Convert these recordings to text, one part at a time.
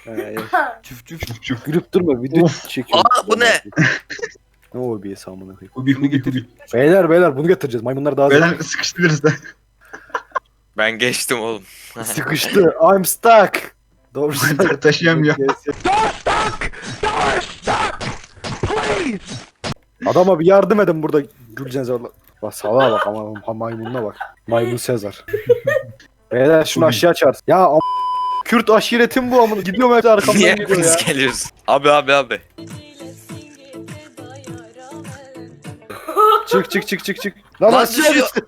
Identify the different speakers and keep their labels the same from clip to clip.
Speaker 1: Çüf çüf.
Speaker 2: Çuf.
Speaker 3: Gülüp durma video çekiyorum.
Speaker 4: Aa, bu ne?
Speaker 3: Ne o bir amına koyayım.
Speaker 2: Hubi.
Speaker 3: Beyler bunu getireceğiz. Maymunlar daha
Speaker 2: Beyler sıkıştırırız da.
Speaker 4: Ben geçtim oğlum.
Speaker 3: sıkıştı. I'm stuck. Doğru.
Speaker 2: Taşıyamıyor.
Speaker 3: Adama bir yardım edin burada Gülcan Sezar. Bak salağa bak ama maymununa bak. Maymun Sezar. Beyler şunu aşağı çağır. Ya Kürt aşiretim bu amına. Gidiyorum hep arkamdan
Speaker 4: Niye
Speaker 3: gidiyor ya.
Speaker 4: hepiniz geliyoruz? Abi.
Speaker 3: Çık. Lan
Speaker 4: Lan
Speaker 3: aşağı
Speaker 4: düşüyor.
Speaker 3: düştü.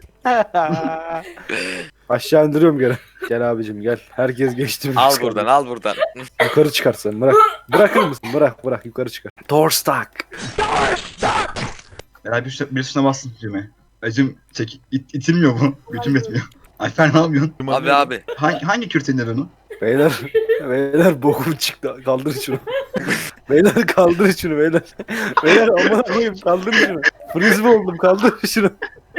Speaker 3: Aşağı indiriyorum geri. Gel abicim gel. Herkes geçti.
Speaker 4: Al buradan.
Speaker 3: Yukarı çıkar sen bırak. Bırakır mısın? Bırak yukarı çıkar. Door stuck.
Speaker 2: Beyler bir üstüne bassın düğmeye. Acım itilmiyor bu. Gücüm yetmiyor. Alper ne yapıyorsun?
Speaker 4: Abi.
Speaker 2: Hangi Kürt indir onu?
Speaker 3: Beyler bokum çıktı. Kaldır şunu. Beyler kaldır şunu beyler. Beyler aman koyayım kaldır şunu. Frisbee oldum kaldır şunu.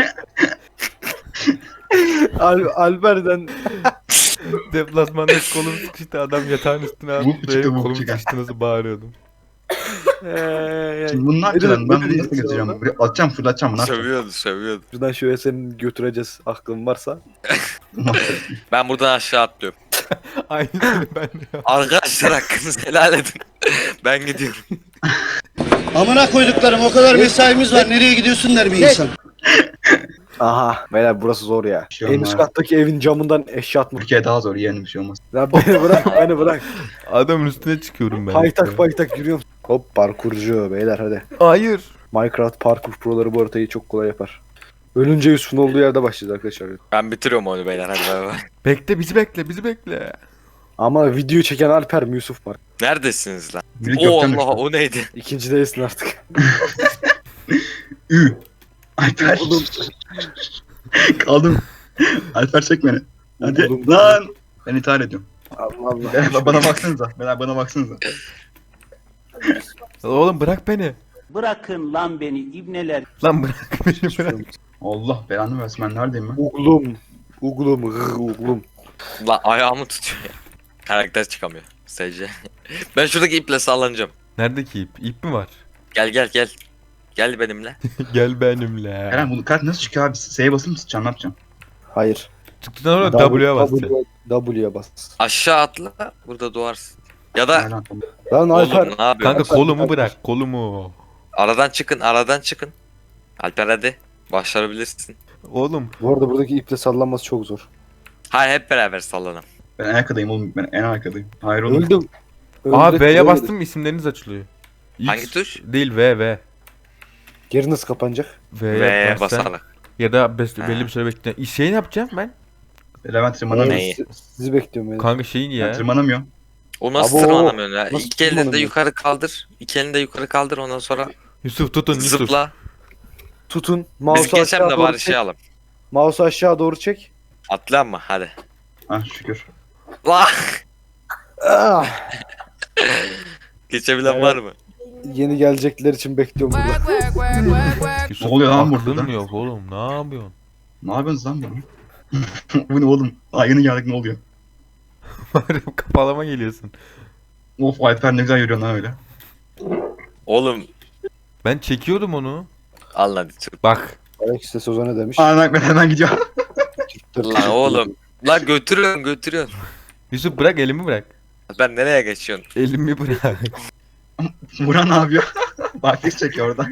Speaker 3: Alper'den
Speaker 1: Deplasmanda kolum sıkıştı, adam yatağın üstüne attı.
Speaker 2: Buk çıktı,
Speaker 1: Benim
Speaker 2: buk
Speaker 1: kolum
Speaker 2: çıktı.
Speaker 1: sıkıştı, nasıl bağırıyordum.
Speaker 2: Şimdi bunu ne yapacaksın? Ben bunu
Speaker 3: diyeyim
Speaker 2: nasıl götüreceğim? Buraya atacağım fırlatacağım bunu.
Speaker 4: Sövüyordu.
Speaker 3: şuradan şöyle seni götüreceğiz aklın varsa.
Speaker 4: Ben buradan aşağı atlıyorum.
Speaker 1: Aynısını ben de yaptım.
Speaker 4: Arkadaşlar hakkınızı helal edin. Ben gidiyorum.
Speaker 5: Amına koyduklarım, o kadar mesaimiz var, nereye gidiyorsun der bir insan.
Speaker 3: Aha beyler burası zor ya.
Speaker 2: Bir şey
Speaker 3: En
Speaker 2: olmaz.
Speaker 3: üst kattaki evin camından eşya atmış.
Speaker 2: Türkiye daha zor yeğenim bir şey olmaz.
Speaker 3: Lan beni bırak.
Speaker 1: Adamın üstüne çıkıyorum ben.
Speaker 3: Paytak yürüyorum. Hop parkurcu beyler hadi.
Speaker 1: Hayır.
Speaker 3: Minecraft parkur proları bu haritayı çok kolay yapar. Ölünce Yusuf'un olduğu yerde başlayacağız arkadaşlar.
Speaker 4: Ben bitiriyorum onu beyler hadi bay bay.
Speaker 1: Bekle, bizi bekle.
Speaker 3: Ama videoyu çeken Alper mi Yusuf mu?
Speaker 4: Neredesiniz lan?
Speaker 2: Biri
Speaker 4: Oo
Speaker 2: gökten
Speaker 4: Allah
Speaker 2: düştü.
Speaker 4: o neydi?
Speaker 3: İkinci değilsin artık.
Speaker 2: Alper. Kaldım. Alper çek beni. Hadi
Speaker 3: Oğlum.
Speaker 2: lan. Ben intihar ediyorum.
Speaker 3: Allah Allah.
Speaker 2: Beyler bana baksanıza. Beyler bana baksanıza.
Speaker 1: Oğlum bırak beni.
Speaker 5: Bırakın lan beni ibneler.
Speaker 1: Lan bırak beni, bırak.
Speaker 2: Allah belanı versin, ben neredeyim ben?
Speaker 3: Uglum.
Speaker 4: Lan ayağımı tutuyor ya. Karakter çıkamıyor. SC. Ben şuradaki iple sallanacağım.
Speaker 1: Neredeki ip? İp mi var?
Speaker 4: Gel. Gel benimle.
Speaker 1: Gel benimle.
Speaker 2: Eren bu kart nasıl çıkıyor abi? S'ye basılı mı sıçacağım, ne yapacağım?
Speaker 3: Hayır.
Speaker 1: Çıktıktan sonra W'ye basacaksın.
Speaker 3: W'ye bas.
Speaker 4: Aşağı atla. Burada doğarsın. Ya da
Speaker 2: Eren, tamam.
Speaker 3: Lan
Speaker 4: oğlum
Speaker 3: Alper.
Speaker 4: ne yapıyorsun?
Speaker 1: Kanka kolumu bırak, kolumu.
Speaker 4: Aradan çıkın. Alper hadi. Başarabilirsin.
Speaker 1: Oğlum.
Speaker 3: Bu arada buradaki iple sallanması çok zor.
Speaker 4: Hayır hep beraber sallanalım.
Speaker 2: Ben en arkadayım oğlum, ben en arkadayım. Hayır oğlum.
Speaker 3: Öldüm.
Speaker 1: Aa
Speaker 3: Öldük,
Speaker 1: V'ye
Speaker 3: öldük.
Speaker 1: bastım mı isimleriniz açılıyor. X
Speaker 4: Hangi tuş?
Speaker 1: Değil, V.
Speaker 3: Geri nasıl kapanacak?
Speaker 1: V'ye
Speaker 4: Ve
Speaker 1: basarsan.
Speaker 4: basarak.
Speaker 1: Ya da
Speaker 4: Ha.
Speaker 1: belli bir süre bekle. Şey ne yapacağım ben?
Speaker 2: Levent tırmanamıyor.
Speaker 4: Neyi?
Speaker 3: Sizi bekliyorum yani.
Speaker 1: Kanka şeyin
Speaker 2: Ben
Speaker 1: ya.
Speaker 2: tırmanamıyorum.
Speaker 4: O nasıl
Speaker 3: Abo,
Speaker 4: tırmanamıyorsun ya?
Speaker 3: nasıl
Speaker 4: İki elini de
Speaker 3: tırmanamıyorsun?
Speaker 4: yukarı kaldır. İki elini de yukarı kaldır ondan sonra
Speaker 1: Yusuf tutun Yusuf.
Speaker 4: zıpla.
Speaker 3: Tutun.
Speaker 4: Biz
Speaker 3: Mouse'u
Speaker 4: geçelim
Speaker 3: aşağı
Speaker 4: de
Speaker 3: doğru
Speaker 4: bari
Speaker 3: çek.
Speaker 4: şey alalım.
Speaker 3: Mouse'u aşağı doğru çek.
Speaker 4: Atla ama hadi.
Speaker 2: Ah şükür.
Speaker 4: La!
Speaker 3: Ah!
Speaker 4: Geçebilen
Speaker 3: Evet.
Speaker 4: var mı?
Speaker 3: Yeni gelecekler için bekliyorum burada.
Speaker 1: Yusuf
Speaker 2: Ne oluyor lan
Speaker 1: aklın
Speaker 2: burada?
Speaker 1: mı yok oğlum? Ne yapıyorsun?
Speaker 2: Ne yapıyorsunuz lan bunu? Bu ne oğlum? Aa yeni geldik, ne oluyor?
Speaker 1: Kapalama geliyorsun.
Speaker 2: Of Alper ne güzel yürüyor lan öyle.
Speaker 4: Oğlum
Speaker 1: Ben çekiyordum onu.
Speaker 4: al hadi çık.
Speaker 1: Bak.
Speaker 3: Alex de Soza ne demiş?
Speaker 2: Aa ben hemen gidiyorum.
Speaker 4: Lan oğlum. La götürüyorsun.
Speaker 1: Yusuf bırak, elimi bırak.
Speaker 4: Ben nereye geçiyorsun?
Speaker 1: Elimi bırak.
Speaker 2: Murat ne yapıyor? Barfix çekiyor orada.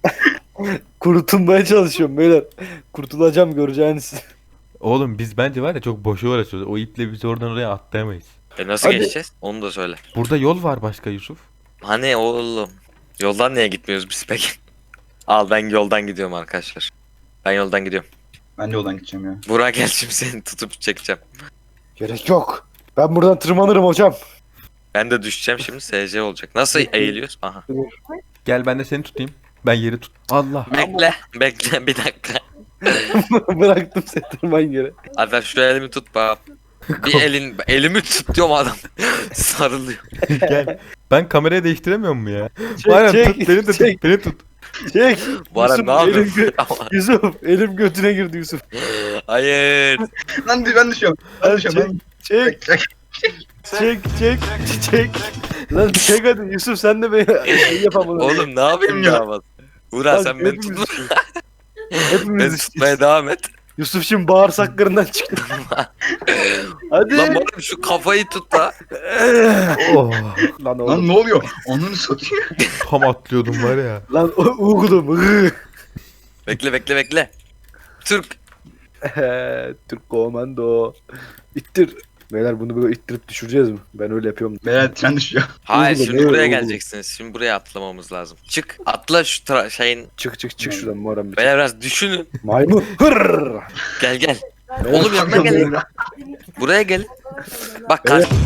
Speaker 3: Kurtulmaya çalışıyorum beyler. Kurtulacağım göreceğiniz.
Speaker 1: Oğlum biz bence var ya çok boşu uğraşıyoruz. O iple bizi oradan oraya atlayamayız.
Speaker 4: Nasıl
Speaker 3: Hadi.
Speaker 4: geçeceğiz? Onu da söyle.
Speaker 1: Burada yol var başka Yusuf.
Speaker 4: Hani oğlum. Yoldan niye gitmiyoruz biz peki? Al ben yoldan gidiyorum arkadaşlar. Ben yoldan gidiyorum.
Speaker 2: Ben de yoldan gideceğim ya.
Speaker 4: Burak gel şimdi seni tutup çekeceğim.
Speaker 3: Gerek yok. Ben buradan tırmanırım hocam.
Speaker 4: Ben de düşeceğim şimdi SC olacak. Nasıl eğiliyoruz? Aha.
Speaker 1: Gel ben de seni tutayım. Ben yeri tut. Allah.
Speaker 4: Bekle bir dakika.
Speaker 3: Bıraktım seni tırman geri.
Speaker 4: Alper şu elimi tut bak. Elimi tut diyorum adam. Sarılıyor.
Speaker 1: Gel. Ben kamerayı değiştiremiyor mu ya?
Speaker 3: Çek,
Speaker 1: Aynen
Speaker 3: çek,
Speaker 1: tut, beni de
Speaker 3: çek.
Speaker 1: tut, beni tut.
Speaker 3: Çek.
Speaker 4: Bu ara
Speaker 3: Yusuf,
Speaker 4: ne yapıyorsun?
Speaker 3: elim Yusuf elim götüne girdi Yusuf.
Speaker 4: Hayır.
Speaker 2: Lan ben düşüyorum. Ben düşüyorum. Ben...
Speaker 3: Çek.
Speaker 2: Çek.
Speaker 3: Çek. Lan çek hadi Yusuf sen de bir şey yapamadın.
Speaker 4: Oğlum ne yapayım
Speaker 2: Ya.
Speaker 4: ya bak. Burak sen beni
Speaker 3: hepimiz
Speaker 4: tutma.
Speaker 3: Hepimiz
Speaker 4: Beni tutmaya devam et.
Speaker 3: Yusuf şimdi bağırsaklarından çıktı. Hadi.
Speaker 4: Lan oğlum şu kafayı tut da.
Speaker 1: Oh,
Speaker 3: Lan oğlum.
Speaker 2: Lan ne oluyor? Onu satıyor.
Speaker 1: tam atlıyordum var ya.
Speaker 3: Lan uğudum.
Speaker 4: Bekle. Türk.
Speaker 3: Türk komando. İttir. Beyler bunu böyle ittirip düşüreceğiz mi? Ben öyle yapıyorum.
Speaker 2: Beyler tren düşüyor.
Speaker 4: Hayır
Speaker 3: Uğurlu,
Speaker 4: şimdi
Speaker 3: ne
Speaker 4: buraya
Speaker 3: uğurlu?
Speaker 4: geleceksiniz. Şimdi buraya atlamamız lazım. Çık. Atla şu şeyin.
Speaker 3: Çık şuradan Muharrem. bir.
Speaker 4: Beyler biraz düşünün.
Speaker 3: Maymun. Hırr.
Speaker 4: Gel. Oğlum yanına gel. Buraya gel. Bak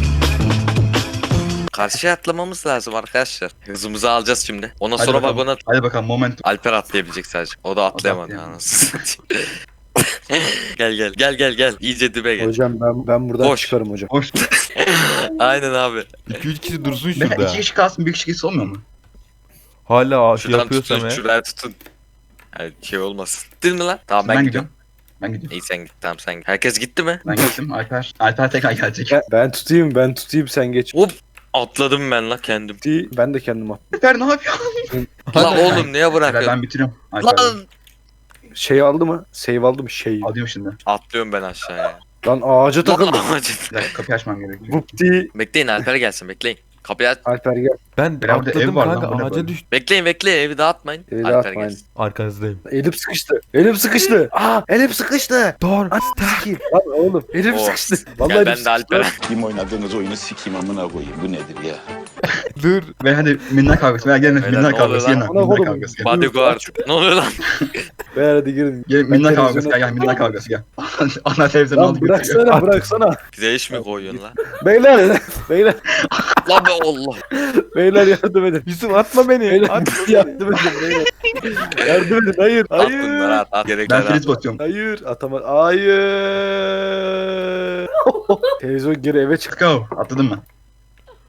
Speaker 4: karşıya atlamamız lazım arkadaşlar. Hızımızı alacağız şimdi. Ondan
Speaker 2: Hadi
Speaker 4: sonra
Speaker 2: bakalım.
Speaker 4: vagona
Speaker 2: Hadi bakalım momentum.
Speaker 4: Alper atlayabilecek sadece. O da atlayamadı
Speaker 2: atlayamadı.
Speaker 4: anasını satayım. Gel. İyice dibe gel.
Speaker 3: Hocam ben buradan
Speaker 4: Boş.
Speaker 3: çıkarım hocam.
Speaker 2: Hoş.
Speaker 4: Aynen abi.
Speaker 1: 2-3 kişi dursun
Speaker 2: Beyler
Speaker 1: şurada.
Speaker 2: 2 kişi kalsın, bir kişi olmuyor mu?
Speaker 1: Hala şey
Speaker 4: Şuradan
Speaker 1: yapıyorsam
Speaker 4: tutun.
Speaker 1: ya.
Speaker 4: Şuraya tutun. Yani şey olmasın. Gittin mi lan? Tamam ben,
Speaker 2: Ben
Speaker 4: gidiyorum.
Speaker 2: gidiyorum.
Speaker 4: İyi sen git. Tamam sen git. Herkes gitti mi?
Speaker 2: Ben gittim. Alper tekrar gelecek.
Speaker 3: Ben tutayım sen geç.
Speaker 4: Hop. Atladım ben la kendim.
Speaker 3: Ben de kendim at.
Speaker 2: Alper ne yapıyor?
Speaker 4: Lan oğlum niye
Speaker 2: Alper
Speaker 4: bırakıyorsun?
Speaker 2: ben bitiriyorum. Alper.
Speaker 4: Lan.
Speaker 3: Şey aldı mı? Save aldı mı? Şey.
Speaker 2: Alıyorum şimdi.
Speaker 4: Atlıyorum ben aşağıya.
Speaker 3: Lan ağaca takıldı.
Speaker 4: Lan amacım.
Speaker 2: Bir dakika kapıyı açmam gerekiyor.
Speaker 3: Vupti.
Speaker 4: Bekleyin Alper gelsin bekleyin. Kapıyı aç.
Speaker 3: Alper gel.
Speaker 1: Ben
Speaker 2: Beyler burada
Speaker 1: atladım
Speaker 2: ev var lan,
Speaker 1: kanka
Speaker 2: bu ne
Speaker 1: ağaca
Speaker 2: böyle?
Speaker 1: düştüm.
Speaker 4: Bekleyin evi dağıtmayın.
Speaker 3: Evi
Speaker 4: Alper
Speaker 3: dağıtmayın.
Speaker 4: gelsin.
Speaker 1: Arkanızdayım.
Speaker 3: Elim sıkıştı. Elim sıkıştı.
Speaker 1: Dur.
Speaker 3: Sikeyim. Lan oğlum elim
Speaker 4: Oh.
Speaker 3: sıkıştı.
Speaker 4: Gel
Speaker 3: elim
Speaker 4: ben de
Speaker 3: sıkıştı.
Speaker 4: Alper'e.
Speaker 6: Kim oynadığınız oyunu sikeyim amına koyayım. Bu nedir ya?
Speaker 1: Dur.
Speaker 2: Ve hadi minnak kavgası. Beyler gelin
Speaker 4: Beyler,
Speaker 2: minnak
Speaker 4: ne
Speaker 2: kavgası.
Speaker 4: oluyor
Speaker 2: Gelin
Speaker 3: lan?
Speaker 2: minnak
Speaker 3: Oğlum,
Speaker 2: kavgası. Gel.
Speaker 4: Bodyguard. Ne oluyor lan?
Speaker 3: Beyler hadi girin.
Speaker 2: Gelin
Speaker 3: Ben
Speaker 2: minnak kavgası.
Speaker 3: televizyona-
Speaker 2: Gel minnak kavgası gel. Ana televizyonu
Speaker 3: Lan
Speaker 2: aldı götürüyor.
Speaker 3: bıraksana.
Speaker 4: Bize iş mi koyuyorsun lan?
Speaker 3: Beyler
Speaker 4: Lan be Allah.
Speaker 3: beyler yardım edin.
Speaker 1: Yusuf atma beni.
Speaker 3: Beyler
Speaker 1: Atma
Speaker 3: yardım edin beyler. Yardım edin. Hayır.
Speaker 4: At bunları
Speaker 3: Hayır.
Speaker 4: at. Gerekler
Speaker 2: Ben
Speaker 4: at.
Speaker 2: friz basıyorum.
Speaker 3: Hayır. Hayır. Televizyon geri eve çık.
Speaker 2: Let's go. Atladın mı?